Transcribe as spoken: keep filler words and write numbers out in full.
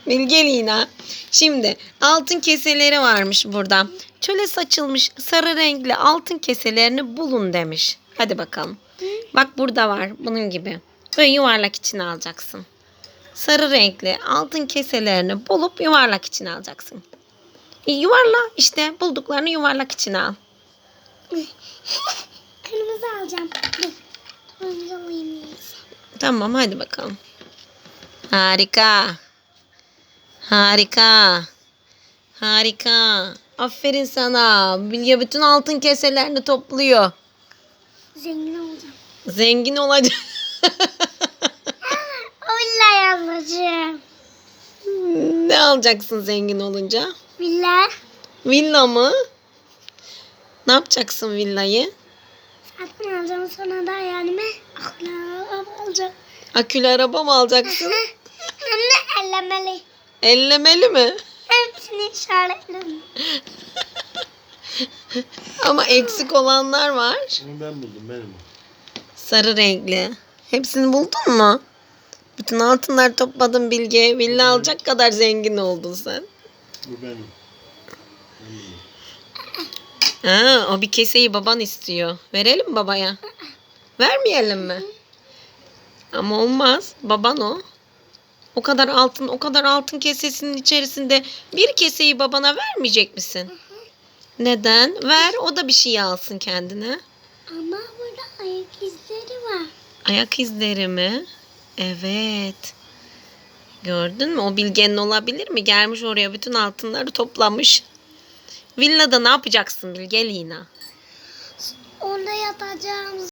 Bilge Lina. Şimdi altın keseleri varmış burada. Çöle saçılmış sarı renkli altın keselerini bulun demiş. Hadi bakalım. Bak burada var bunun gibi. Böyle yuvarlak içine alacaksın. Sarı renkli altın keselerini bulup yuvarlak içine alacaksın. E, yuvarla işte bulduklarını yuvarlak içine al. Kırmızı alacağım. Dur. Kırmızı alayım. Tamam hadi bakalım. Harika. Harika. Harika. Aferin sana. Bilge bütün altın keselerini topluyor. Zengin olacağım. Zengin olacak. Villa alacağım. Ne alacaksın zengin olunca? Villa. Villa mı? Ne yapacaksın villayı? Satın alacağım, sonra da yani akla alacağım. Akülü araba mı alacaksın? Anne ellemeli. Ellemeli mi? Hepsini işaretledim. Ama eksik olanlar var. Onu ben buldum, benim o. Sarı renkli. Hepsini buldun mu? Bütün altınları topladın Bilge. Villa alacak kadar zengin oldun sen. Bu benim. Ben buldum. Ha, o bir keseyi baban istiyor. Verelim mi babaya? Vermeyelim mi? Ama olmaz. Baban o. O kadar altın, o kadar altın kesesinin içerisinde bir keseyi babana vermeyecek misin? Neden? Ver, o da bir şey alsın kendine. Ama burada ayak izleri var. Ayak izleri mi? Evet. Gördün mü? O Bilge'nin olabilir mi? Gelmiş oraya bütün altınları toplamış. Villada ne yapacaksın Bilge Lina? Orada yatacağım.